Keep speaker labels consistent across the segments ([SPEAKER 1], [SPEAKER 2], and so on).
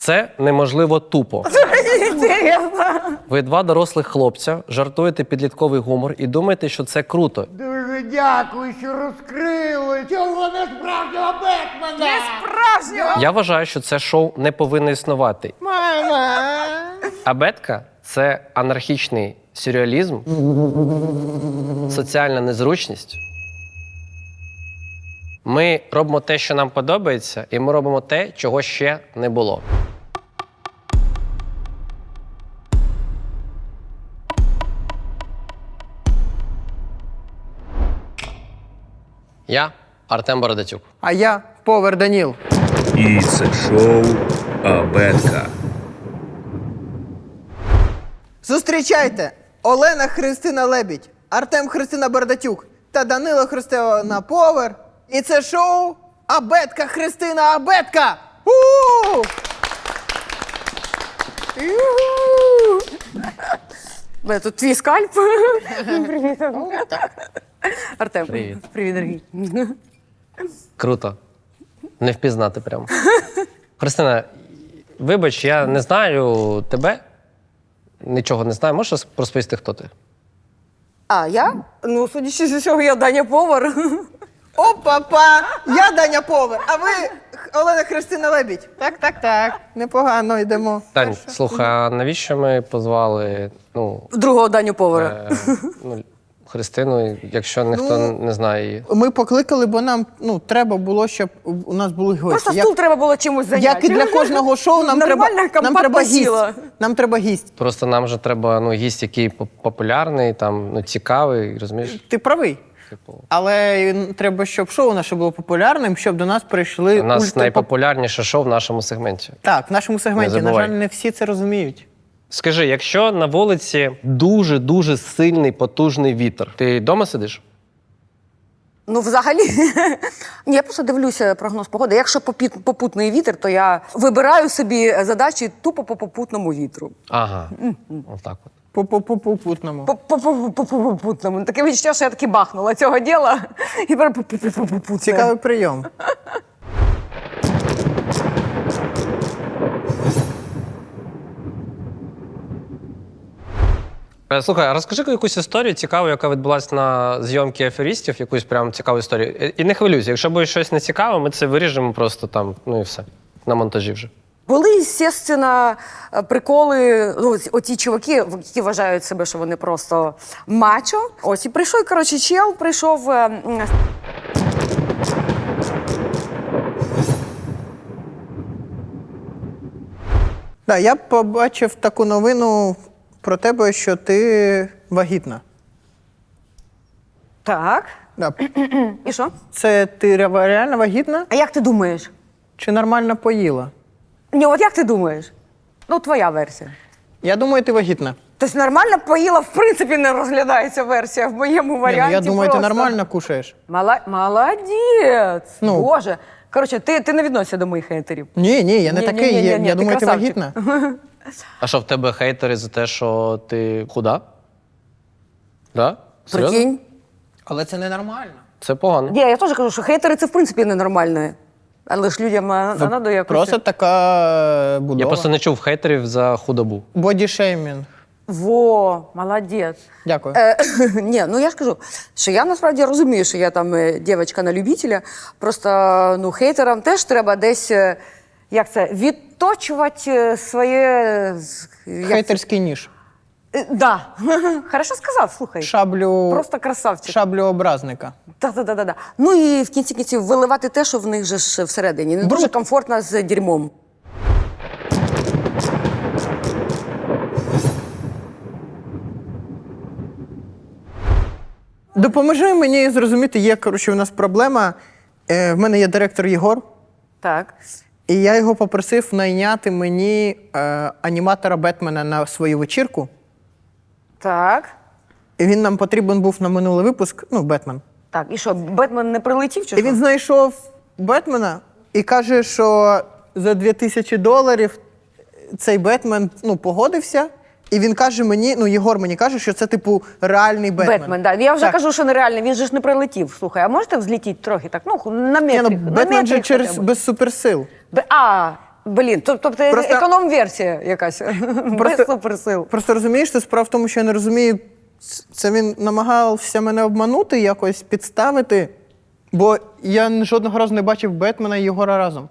[SPEAKER 1] Це неможливо тупо. Ви два дорослих хлопця, жартуєте підлітковий гумор і думаєте, що це круто.
[SPEAKER 2] Дуже дякую, що розкрили цього несправжнього Бетмена!
[SPEAKER 3] Несправжнього!
[SPEAKER 1] Я вважаю, що це шоу не повинно існувати.
[SPEAKER 2] Мама!
[SPEAKER 1] А Бетка – це анархічний сюрреалізм, соціальна незручність. Ми робимо те, що нам подобається, і ми робимо те, чого ще не було. Я Артем Бородатюк.
[SPEAKER 4] А я Повар Даніл.
[SPEAKER 5] І це шоу Абетка.
[SPEAKER 4] Зустрічайте! Олена Христина Лебідь, Артем Христина Бородатюк та Данило Христина Повар. І це шоу Абетка Христина Абетка! У!
[SPEAKER 3] Бля, тут твій скальп. Привіт. Артем.
[SPEAKER 1] Привіт.
[SPEAKER 3] Привіт, дорогий.
[SPEAKER 1] Круто. Не впізнати прямо. Христина, вибач, я не знаю тебе. Нічого не знаю. Можеш розповісти, хто ти?
[SPEAKER 3] А, я? Ну, судячи з усього, я Даня Повар.
[SPEAKER 4] Опа-па! Я Даня Повар, а ви Олена Христина Лебідь. Так. Непогано йдемо.
[SPEAKER 1] Тань, слухай, а навіщо ми позвали
[SPEAKER 3] Другого Даню Повара.
[SPEAKER 1] Христину, якщо ніхто не знає її?
[SPEAKER 4] Ми покликали, бо нам треба було, щоб у нас були гості.
[SPEAKER 3] Просто стул треба було чимось зайняти.
[SPEAKER 4] Як і для кожного шоу, нам
[SPEAKER 3] Нормально,
[SPEAKER 4] треба гість.
[SPEAKER 3] сіла.
[SPEAKER 4] Нам треба гість.
[SPEAKER 1] Просто нам же треба гість, який популярний, цікавий, розумієш?
[SPEAKER 4] Ти правий.
[SPEAKER 1] Типу,
[SPEAKER 4] Але треба, щоб шоу наше було популярним, щоб до нас прийшли
[SPEAKER 1] у нас найпопулярніше шоу в нашому сегменті.
[SPEAKER 4] Так, в нашому сегменті.
[SPEAKER 1] Не
[SPEAKER 4] На
[SPEAKER 1] забувай.
[SPEAKER 4] жаль, не всі це розуміють.
[SPEAKER 1] Скажи, якщо на вулиці дуже-дуже сильний, потужний вітер, ти вдома сидиш?
[SPEAKER 3] Ну, взагалі, ні, я просто дивлюся прогноз погоди. Якщо попутний вітер, то я вибираю собі задачі тупо по попутному вітру.
[SPEAKER 1] Ага, отак от.
[SPEAKER 4] По-попутному.
[SPEAKER 3] По попутному. Таке відчуття, що я таки бахнула цього діла. І тепер попутне.
[SPEAKER 4] Цікавий прийом.
[SPEAKER 1] Слухай, а розкажи якусь історію цікаву, яка відбулася на зйомці аферистів, якусь прям цікаву історію. І не хвилюйся, якщо буде щось нецікаве, ми це виріжемо просто там, і все, на монтажі вже.
[SPEAKER 3] Були, звісно, приколи, оті чуваки, які вважають себе, що вони просто мачо. Ось, і прийшов, коротше, чел, прийшов...
[SPEAKER 4] Да, я побачив таку новину про тебе, що ти вагітна.
[SPEAKER 3] Так.
[SPEAKER 4] Да.
[SPEAKER 3] І що?
[SPEAKER 4] Це ти реально вагітна
[SPEAKER 3] А як ти думаєш?
[SPEAKER 4] чи нормально поїла?
[SPEAKER 3] Ні, от як ти думаєш? Ну, твоя версія.
[SPEAKER 4] Я думаю, ти вагітна.
[SPEAKER 3] Тобто нормально поїла, в принципі, не розглядається версія в моєму
[SPEAKER 4] Ні,
[SPEAKER 3] варіанті.
[SPEAKER 4] я думаю,
[SPEAKER 3] просто.
[SPEAKER 4] ти нормально кушаєш.
[SPEAKER 3] Молодець!
[SPEAKER 4] Ну.
[SPEAKER 3] Боже. Коротше, ти не відносишся до моїх хейтерів.
[SPEAKER 4] Ні, я не
[SPEAKER 3] Ні,
[SPEAKER 4] такий.
[SPEAKER 3] ні,
[SPEAKER 4] Я
[SPEAKER 3] ти
[SPEAKER 4] думаю, ти
[SPEAKER 3] красавчик.
[SPEAKER 4] вагітна.
[SPEAKER 1] А що, в тебе хейтери за те, що ти худа? Да? Серйозно?
[SPEAKER 3] Прикинь.
[SPEAKER 4] Але це ненормально.
[SPEAKER 1] Це погано.
[SPEAKER 3] Ні, я теж кажу, що хейтери це в принципі ненормально. Але ж людям треба якось...
[SPEAKER 4] Просто така будова.
[SPEAKER 1] Я просто не чув хейтерів за худобу.
[SPEAKER 4] Бодішеймінг.
[SPEAKER 3] Во, молодець.
[SPEAKER 4] Дякую.
[SPEAKER 3] Ні, ну я ж кажу, що я насправді розумію, що я там дівчинка на любителя. Просто хейтерам теж треба десь, як це, відточувати своє...
[SPEAKER 4] Хейтерський ніж.
[SPEAKER 3] Да. Хорошо сказав, слухай.
[SPEAKER 4] Шаблю...
[SPEAKER 3] Просто красавчик.
[SPEAKER 4] Шаблю образника.
[SPEAKER 3] Да. Ну і в кінці кінців виливати те, що в них же ж всередині. Не дуже комфортно з дерьмом.
[SPEAKER 4] Допоможи мені зрозуміти, є, коротше, у нас проблема. В мене є директор Єгор,
[SPEAKER 3] Так.
[SPEAKER 4] і я його попросив найняти мені аніматора Бетмена на свою вечірку.
[SPEAKER 3] Так.
[SPEAKER 4] І він нам потрібен був на минулий випуск, Бетмен.
[SPEAKER 3] Так, і що, Бетмен не прилетів чи
[SPEAKER 4] І
[SPEAKER 3] що?
[SPEAKER 4] він знайшов Бетмена і каже, що за $2000 цей Бетмен погодився. І він каже мені, Єгор мені каже, що це, типу, реальний Бетмен.
[SPEAKER 3] Бетмен, да. Я вже
[SPEAKER 4] Так.
[SPEAKER 3] кажу, що нереально, він же ж не прилетів. Слухай, а можете взлітіти трохи так? На
[SPEAKER 4] Ні,
[SPEAKER 3] метрик.
[SPEAKER 4] Бетмен же
[SPEAKER 3] хоча б.
[SPEAKER 4] без суперсил.
[SPEAKER 3] Блін, тобто
[SPEAKER 4] Просто-
[SPEAKER 3] економ-версія якась. Без суперсил.
[SPEAKER 4] Просто розумієш, що справа в тому, що я не розумію, це він намагався мене обманути, якось підставити, бо я жодного разу не бачив Бетмена і Єгора разом.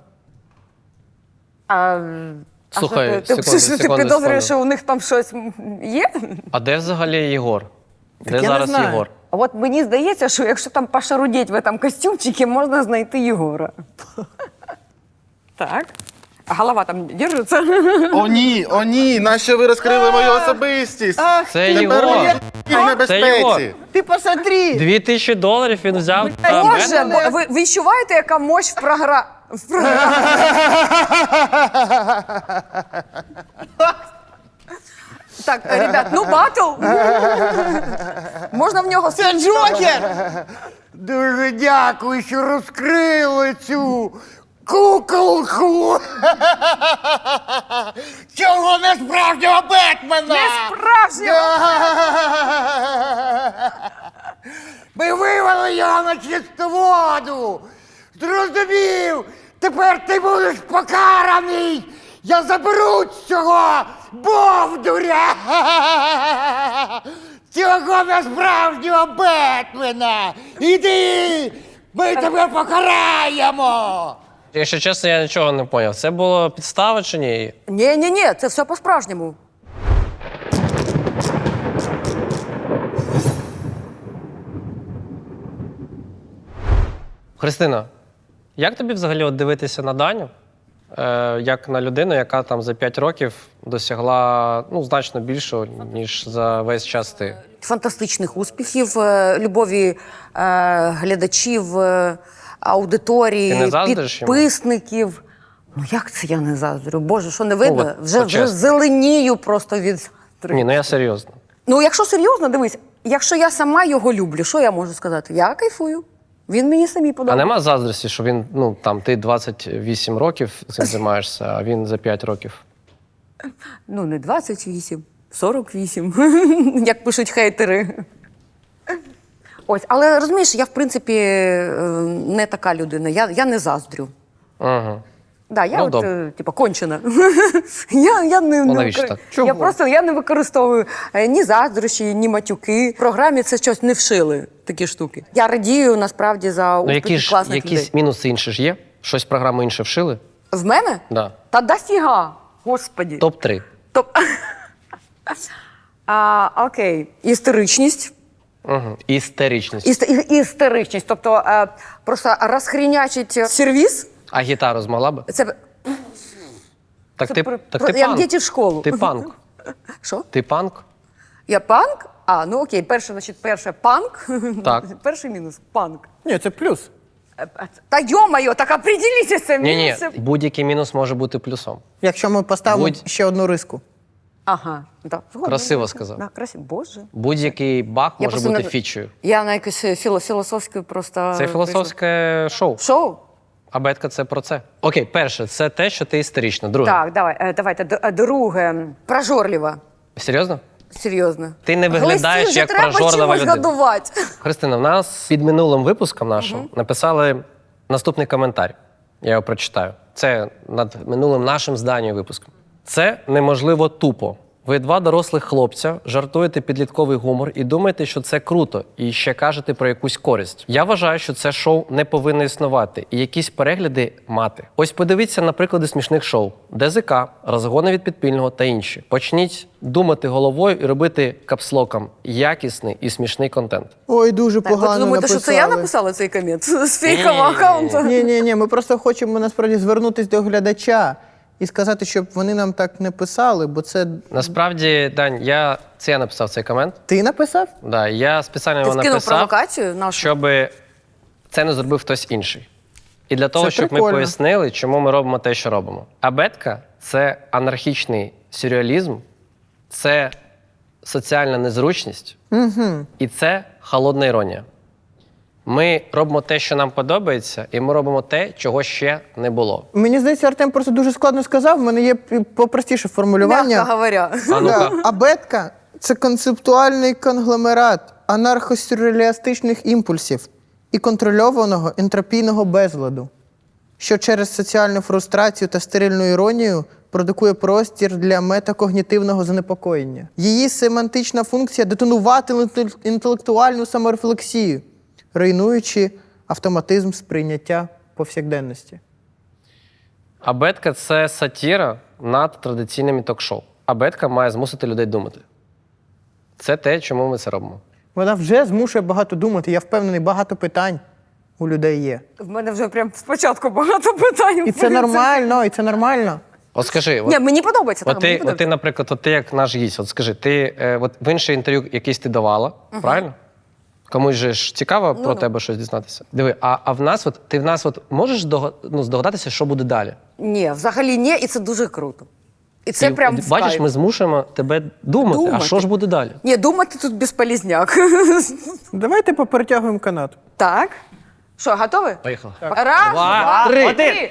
[SPEAKER 1] Слухай,
[SPEAKER 3] ти підозрюєш, що у них там щось є?
[SPEAKER 1] А де взагалі Єгор?
[SPEAKER 4] Так
[SPEAKER 1] Де
[SPEAKER 4] я не
[SPEAKER 1] зараз
[SPEAKER 4] знаю.
[SPEAKER 1] Єгор?
[SPEAKER 3] А от мені здається, що якщо там пошарудіть в цьому костюмчику, можна знайти Єгора. Так. А голова там держиться?
[SPEAKER 6] О ні, нащо ви розкрили мою особистість?
[SPEAKER 4] Ах,
[SPEAKER 1] Це
[SPEAKER 6] Тепер
[SPEAKER 1] Єгор.
[SPEAKER 6] я в
[SPEAKER 1] Це
[SPEAKER 6] небезпеці.
[SPEAKER 1] Єгор.
[SPEAKER 4] ти посмотри!
[SPEAKER 1] $2000 він взяв. та
[SPEAKER 3] Боже,
[SPEAKER 1] Бетмена.
[SPEAKER 3] ви відчуваєте, яка мощь в програмі? Так, ребят, ну батл. Можна в нього
[SPEAKER 4] Це Джокер!
[SPEAKER 2] Дуже дякую, що розкрили цю куколку. Цього несправжнього Бетмена.
[SPEAKER 3] Справжнього!
[SPEAKER 2] Ми вивели його на чисту воду. Зрозумів? Тепер ти будеш покараний. Я заберу цього бовдуря. Цього несправжнього Бетмена. Іди, ми тебе покараємо.
[SPEAKER 1] Якщо чесно, я нічого не зрозумів. Це було підстава чи ні?
[SPEAKER 3] Ні, це все по-справжньому.
[SPEAKER 1] Христина, як тобі взагалі от дивитися на Даню? Як на людину, яка там за 5 років досягла значно більшого, ніж за весь час ти?
[SPEAKER 3] Фантастичних успіхів, любові глядачів,
[SPEAKER 1] Ти
[SPEAKER 3] аудиторії,
[SPEAKER 1] не заздриш йому?
[SPEAKER 3] підписників. Ну як це я не заздрю? Боже, що не видно?
[SPEAKER 1] от
[SPEAKER 3] Вже
[SPEAKER 1] чесно.
[SPEAKER 3] зеленію просто від...
[SPEAKER 1] Ні, ну я серйозно.
[SPEAKER 3] Ну, якщо серйозно, дивись, якщо я сама його люблю, що я можу сказати? Я кайфую. Він мені самі
[SPEAKER 1] А
[SPEAKER 3] подобається.
[SPEAKER 1] нема заздрості, що він, ти 28 років цим займаєшся, а він за 5 років.
[SPEAKER 3] Ну, не 28, 48, як пишуть хейтери. Ось, але розумієш, я в принципі не така людина, я не заздрю.
[SPEAKER 1] Угу.
[SPEAKER 3] Да, я
[SPEAKER 1] Ну, добре.
[SPEAKER 3] типа, кончена. я не,
[SPEAKER 1] Ну, навіщо так?
[SPEAKER 3] я не використовую ні заздрощі, ні матюки. В програмі це щось не вшили, такі штуки. Я радію, насправді, за
[SPEAKER 1] Ну,
[SPEAKER 3] успіхи класних
[SPEAKER 1] якісь
[SPEAKER 3] людей.
[SPEAKER 1] мінуси інші ж є? Щось в програму інше вшили?
[SPEAKER 3] В мене?
[SPEAKER 1] Да.
[SPEAKER 3] Та дофіга, господі.
[SPEAKER 1] Топ-3.
[SPEAKER 3] Окей. Істеричність.
[SPEAKER 1] Угу. Істеричність.
[SPEAKER 3] Істеричність. Тобто просто розхрінячить сервіс.
[SPEAKER 1] А гітару змогла би?
[SPEAKER 3] Це
[SPEAKER 1] Так ти
[SPEAKER 3] як
[SPEAKER 1] панк.
[SPEAKER 3] діти в школу.
[SPEAKER 1] Ти панк.
[SPEAKER 3] Що?
[SPEAKER 1] Ти панк?
[SPEAKER 3] Я панк? Ну окей, перше панк.
[SPEAKER 1] Так.
[SPEAKER 3] Перший мінус панк.
[SPEAKER 4] Ні, це плюс.
[SPEAKER 3] Та йо-моє, так определіться це
[SPEAKER 1] Ні,
[SPEAKER 3] мінуси.
[SPEAKER 1] будь-який мінус може бути плюсом.
[SPEAKER 4] Якщо ми поставимо
[SPEAKER 1] Будь-
[SPEAKER 4] ще одну риску.
[SPEAKER 3] Ага, да. згодна.
[SPEAKER 1] Красиво сказав.
[SPEAKER 3] Да, красиво. Боже.
[SPEAKER 1] Будь-який баг
[SPEAKER 3] Я
[SPEAKER 1] може
[SPEAKER 3] просто
[SPEAKER 1] бути
[SPEAKER 3] не-
[SPEAKER 1] фічею.
[SPEAKER 3] Я на якесь філософське просто...
[SPEAKER 1] Це філософське шоу.
[SPEAKER 3] прийшла. Шоу?
[SPEAKER 1] А бетка це про це. Окей, перше, це те, що ти істерична. Друге.
[SPEAKER 3] Так, давайте. Друге. Прожорлива.
[SPEAKER 1] Серйозно?
[SPEAKER 3] Серйозно.
[SPEAKER 1] Ти не виглядаєш
[SPEAKER 3] Глистів
[SPEAKER 1] як
[SPEAKER 3] же треба
[SPEAKER 1] прожорлива
[SPEAKER 3] чимось
[SPEAKER 1] людина.
[SPEAKER 3] годувати.
[SPEAKER 1] Христина, в нас під минулим випуском нашим написали наступний коментар. Я його прочитаю. Це над минулим нашим з Данією випуском. Це неможливо тупо. Ви два дорослих хлопця, жартуєте підлітковий гумор і думаєте, що це круто, і ще кажете про якусь користь. Я вважаю, що це шоу не повинно існувати і якісь перегляди мати. Ось подивіться на приклади смішних шоу: ДЗК, розгони від підпільного та інші. Почніть думати головою і робити капслоком якісний і смішний контент.
[SPEAKER 4] Ой, дуже
[SPEAKER 3] Так, ви
[SPEAKER 4] погано
[SPEAKER 3] думаєте, що
[SPEAKER 4] написали.
[SPEAKER 3] це я написала цей комент з фейкового аккаунту?
[SPEAKER 4] Ні, ми просто хочемо насправді звернутися до глядача і сказати, щоб вони нам так не писали, бо це
[SPEAKER 1] Насправді, Дань, я написав цей комент.
[SPEAKER 4] ти написав?
[SPEAKER 1] Да, я спеціально
[SPEAKER 3] Ти
[SPEAKER 1] його
[SPEAKER 3] вкинув
[SPEAKER 1] написав,
[SPEAKER 3] провокацію нашу?
[SPEAKER 1] щоб це не зробив хтось інший. І для того,
[SPEAKER 4] Це
[SPEAKER 1] щоб ми
[SPEAKER 4] прикольно.
[SPEAKER 1] пояснили, чому ми робимо те, що робимо. Абетка – це анархічний сюрреалізм, це соціальна незручність і це холодна іронія. Ми робимо те, що нам подобається, і ми робимо те, чого ще не було.
[SPEAKER 4] Мені здається, Артем просто дуже складно сказав. В мене є попростіше формулювання.
[SPEAKER 3] Мягко говоря.
[SPEAKER 1] А ну-ка.
[SPEAKER 4] Да. Абетка – це концептуальний конгломерат анархосюрреалістичних імпульсів і контрольованого ентропійного безладу. що через соціальну фрустрацію та стерильну іронію продукує простір для метакогнітивного занепокоєння. Її семантична функція – детонувати інтелектуальну саморефлексію, руйнуючи автоматизм сприйняття повсякденності.
[SPEAKER 1] Абетка – це сатіра над традиційними ток-шоу. Абетка має змусити людей думати. Це те, чому ми це робимо.
[SPEAKER 4] Вона вже змушує багато думати. Я впевнений, багато питань у людей є.
[SPEAKER 3] В мене вже прям спочатку багато питань.
[SPEAKER 4] І це нормально, і це нормально.
[SPEAKER 1] От скажи,
[SPEAKER 3] Ні, мені подобається.
[SPEAKER 1] От ти, наприклад, от ти як наш гість, от скажи, ти от в інше інтерв'ю якесь ти давала, правильно? Комусь же ж цікаво про тебе щось дізнатися. Диви, а в нас, от ти в нас от можеш здогадатися, що буде далі?
[SPEAKER 3] Ні, взагалі ні, і це дуже круто. І це прям в
[SPEAKER 1] бачиш,
[SPEAKER 3] кайф.
[SPEAKER 1] ми змушуємо тебе думати, а що ж буде далі?
[SPEAKER 3] Ні, думати тут безполізняк.
[SPEAKER 4] Давайте поперетягуємо канат.
[SPEAKER 3] Так. Що, готові?
[SPEAKER 1] Поїхали.
[SPEAKER 3] Раз, два,
[SPEAKER 1] три.
[SPEAKER 3] три.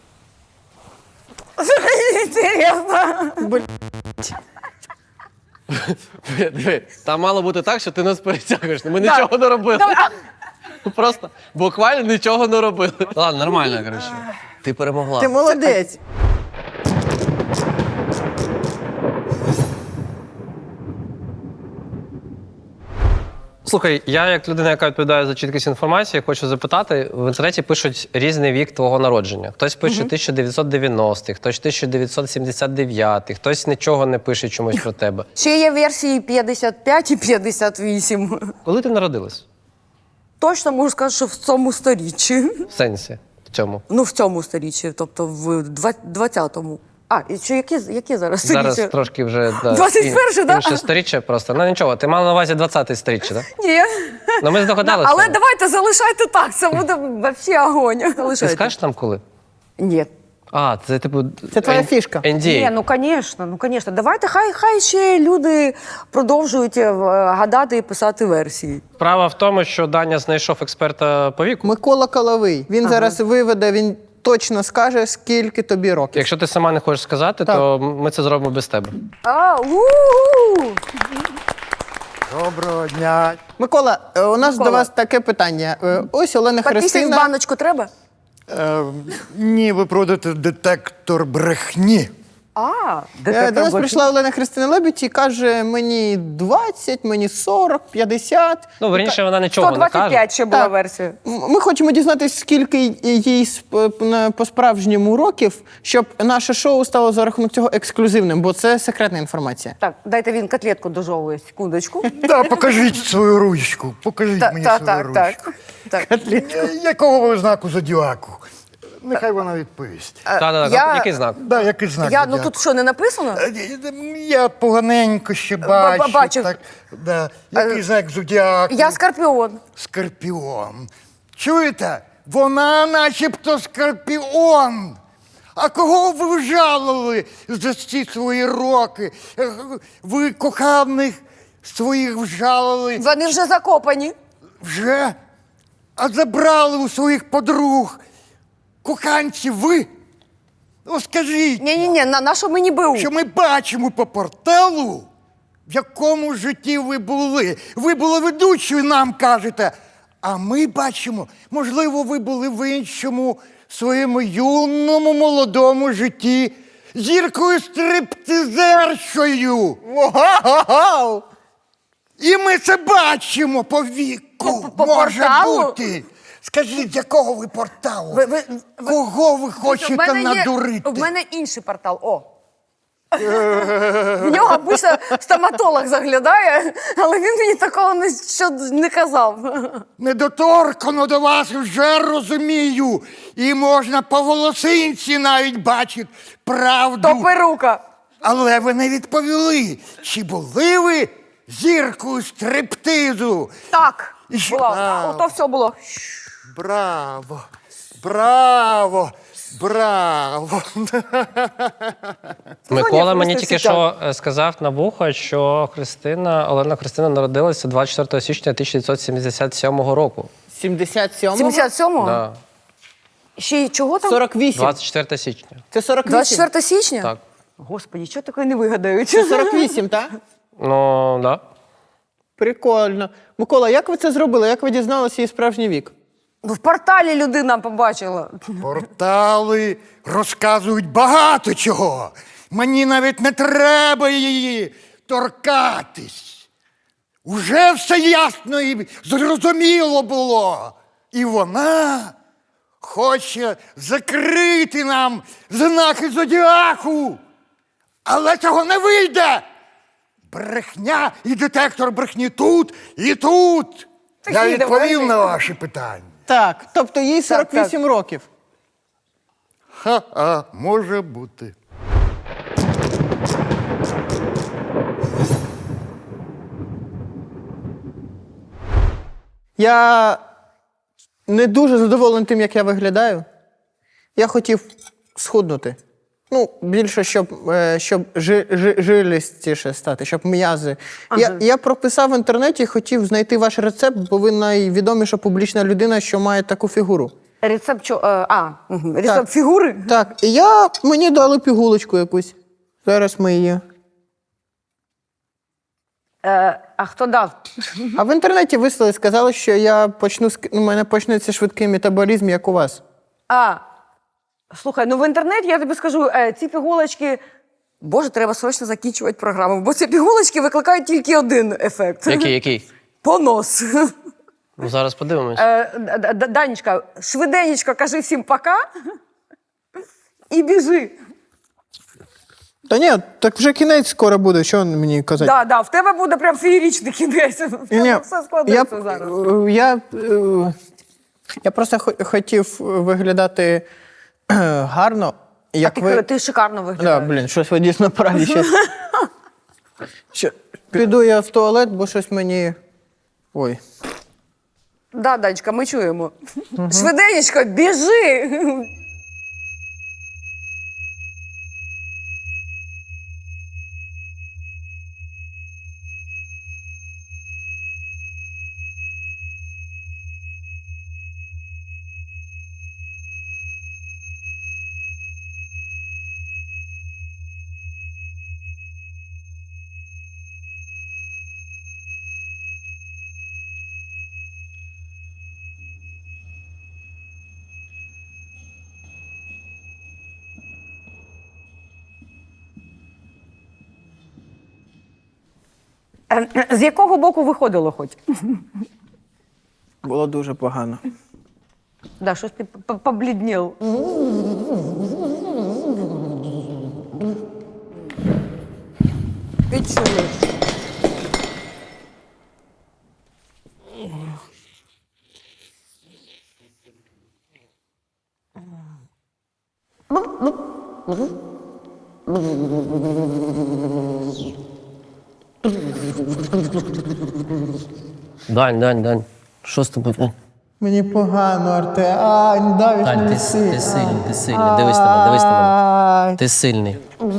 [SPEAKER 3] Інтересно.
[SPEAKER 1] Диви, там мало бути так, що ти нас перетягуєш. Ми нічого не робили. Просто буквально нічого не робили. Ладно, нормально, коротше. Ти перемогла.
[SPEAKER 4] Ти молодець.
[SPEAKER 1] Слухай, я як людина, яка відповідає за чіткість інформації, хочу запитати, в інтернеті пишуть різний вік твого народження. Хтось пише 1990-х, хтось 1979-х, хтось нічого не пише чомусь про тебе.
[SPEAKER 3] Ще є версії 55 і 58.
[SPEAKER 1] Коли ти народилась?
[SPEAKER 3] Точно можу сказати, що в цьому сторіччі.
[SPEAKER 1] В сенсі? В цьому?
[SPEAKER 3] Ну, в цьому сторіччі, тобто в 20-му. А, і що, які зараз
[SPEAKER 1] Зараз
[SPEAKER 3] сторіччя?
[SPEAKER 1] трошки вже
[SPEAKER 3] 21-й, да?
[SPEAKER 1] інше сторіччя просто. Ну нічого, ти мала на увазі 20-те сторіччя, так?
[SPEAKER 3] Ні.
[SPEAKER 1] Ну ми здогадалися.
[SPEAKER 3] Але давайте залишайте так, це буде взагалі огонь.
[SPEAKER 1] Ти
[SPEAKER 3] Залишайте.
[SPEAKER 1] скажеш нам коли?
[SPEAKER 3] Ні.
[SPEAKER 1] А, це типу...
[SPEAKER 4] Це твоя фішка.
[SPEAKER 1] NDA.
[SPEAKER 3] Ні, ну звісно. Давайте, хай ще люди продовжують гадати і писати версії.
[SPEAKER 1] Справа в тому, що Даня знайшов експерта по віку.
[SPEAKER 4] Микола Коловий. Він зараз виведе, він точно скаже, скільки тобі років.
[SPEAKER 1] Якщо ти сама не хочеш сказати,
[SPEAKER 4] Так.
[SPEAKER 1] то ми це зробимо без тебе.
[SPEAKER 2] Доброго дня.
[SPEAKER 4] Микола, у нас
[SPEAKER 3] Микола.
[SPEAKER 4] до вас таке питання. Ось Олена
[SPEAKER 3] Підписуй в
[SPEAKER 4] Христина.
[SPEAKER 3] баночку треба?
[SPEAKER 2] Ні, ви продаєте детектор брехні.
[SPEAKER 4] До нас прийшла Олена Христина Лебідь і каже, мені 20, мені 40, 50.
[SPEAKER 1] Ну, верніше, вона нічого не каже.
[SPEAKER 3] 125 ще була
[SPEAKER 4] Так.
[SPEAKER 3] версія.
[SPEAKER 4] Ми хочемо дізнатися, скільки їй по-справжньому років, щоб наше шоу стало за рахунок цього ексклюзивним, бо це секретна інформація.
[SPEAKER 3] Так, дайте він котлетку дожовує, секундочку.
[SPEAKER 2] Да, покажіть свою ручку. Покажіть мені свою ручку.
[SPEAKER 3] Так.
[SPEAKER 2] Якого ви знаку зодіаку? Нехай вона відповість.
[SPEAKER 1] Так,
[SPEAKER 3] Я-
[SPEAKER 1] який знак?
[SPEAKER 2] Да, який знак
[SPEAKER 3] Ну
[SPEAKER 2] зодіаку?
[SPEAKER 3] тут що, не написано?
[SPEAKER 2] Я поганенько ще бачу.
[SPEAKER 3] бачив.
[SPEAKER 2] Так, да. Який знак зодіаку?
[SPEAKER 3] Я скорпіон.
[SPEAKER 2] Скорпіон. Чуєте? Вона начебто скорпіон. А кого ви вжалили за ці свої роки? Ви коханих своїх вжалили
[SPEAKER 3] Вони вже закопані.
[SPEAKER 2] вже? А забрали у своїх подруг коханців ви? Ну скажіть,
[SPEAKER 3] Ні, на що мені БУ?
[SPEAKER 2] що ми бачимо по порталу, в якому житті ви були. Ви були ведучою, нам кажете. А ми бачимо, можливо, ви були в іншому своєму юному молодому житті зіркою стриптизершою.
[SPEAKER 4] Вау!
[SPEAKER 2] І ми це бачимо по віку.
[SPEAKER 3] По
[SPEAKER 2] Може
[SPEAKER 3] порталу?
[SPEAKER 2] бути. Скажіть, з якого ви порталу?
[SPEAKER 3] Ви-
[SPEAKER 2] Кого ви хочете надурити?
[SPEAKER 3] В мене інший портал. О. В нього обично стоматолог заглядає, але він мені такого не казав.
[SPEAKER 2] Недоторкано до вас вже розумію. І можна по волосинці навіть бачити правду.
[SPEAKER 3] То перука.
[SPEAKER 2] Але ви не відповіли, чи були ви зіркою стриптизу?
[SPEAKER 3] Так.
[SPEAKER 2] І що?
[SPEAKER 3] Була. Ото все було.
[SPEAKER 2] Браво! Браво! Браво!
[SPEAKER 1] Микола мені
[SPEAKER 3] просто
[SPEAKER 1] тільки
[SPEAKER 3] сидять.
[SPEAKER 1] що сказав на вухо, що Олена Христина народилася 24 січня 1977 року.
[SPEAKER 4] 77?
[SPEAKER 3] 77-го?
[SPEAKER 1] Да.
[SPEAKER 3] Ще й чого там?
[SPEAKER 4] 48.
[SPEAKER 1] 24 січня.
[SPEAKER 4] Це 48?
[SPEAKER 3] 24 січня?
[SPEAKER 1] Так.
[SPEAKER 3] Господи, що таке не вигадають?
[SPEAKER 4] Це 48, так?
[SPEAKER 1] Ну, да.
[SPEAKER 4] Прикольно. Микола, як ви це зробили? Як ви дізналися її справжній вік?
[SPEAKER 3] Ну, в порталі людина побачила.
[SPEAKER 2] Портали розказують багато чого. Мені навіть не треба її торкатись. Уже все ясно і зрозуміло було. І вона хоче закрити нам знаки зодіаку. Але цього не вийде. Брехня і детектор брехні тут і тут. Я
[SPEAKER 3] Такі,
[SPEAKER 2] відповів
[SPEAKER 3] давай.
[SPEAKER 2] на ваші питання.
[SPEAKER 4] Так, тобто їй 48 років.
[SPEAKER 2] Ха-ха, може бути.
[SPEAKER 4] Я не дуже задоволений тим, як я виглядаю. Я хотів схуднути. Ну, більше, щоб жилістіше стати, щоб м'язи. Я прописав в інтернеті і хотів знайти ваш рецепт, бо ви найвідоміша публічна людина, що має таку фігуру.
[SPEAKER 3] Рецепт рецепт
[SPEAKER 4] Так.
[SPEAKER 3] фігури?
[SPEAKER 4] Так, і мені дали пігулочку якусь. Зараз ми її.
[SPEAKER 3] А хто дав?
[SPEAKER 4] А в інтернеті вислали, сказали, що у мене почнеться швидкий метаболізм, як у вас.
[SPEAKER 3] Слухай, ну в інтернеті я тобі скажу, ці пігулочки. Боже, треба срочно закінчувати програму, бо ці пігулочки викликають тільки один ефект.
[SPEAKER 1] Який?
[SPEAKER 3] Понос.
[SPEAKER 1] Ну, зараз подивимось.
[SPEAKER 3] Данечка, швиденечко кажи всім пока і біжи.
[SPEAKER 4] Та ні, так вже кінець скоро буде, що мені казати?
[SPEAKER 3] Да, в тебе буде прям феєричний кінець. В тебе все складеться зараз.
[SPEAKER 4] Я просто хотів виглядати гарно. Як
[SPEAKER 3] Ти шикарно виглядаєш.
[SPEAKER 4] Да, щось ви дійсно праві. Піду я в туалет, бо щось мені... Ой.
[SPEAKER 3] Да, Данечка, ми чуємо. Швиденечко, біжи! З якого боку виходило хоч?
[SPEAKER 4] Було дуже погано.
[SPEAKER 3] Да, щось ти побліднів. Відчули.
[SPEAKER 1] Дань. Що з тобою?
[SPEAKER 4] Мені погано, Арте. Давід
[SPEAKER 1] Дань,
[SPEAKER 4] мене
[SPEAKER 1] ти сильний. Дивись на мене. Ти сильний.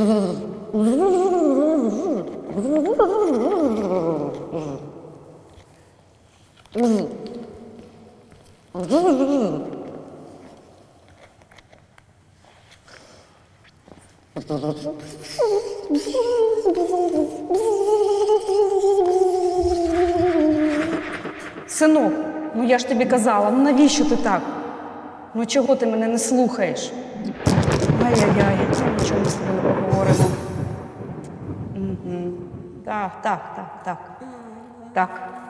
[SPEAKER 7] Синок, ну я ж тобі казала, ну навіщо ти так? Ну чого ти мене не слухаєш? Ай-яй-яй, нічого ми з тобою не поговоримо. Так.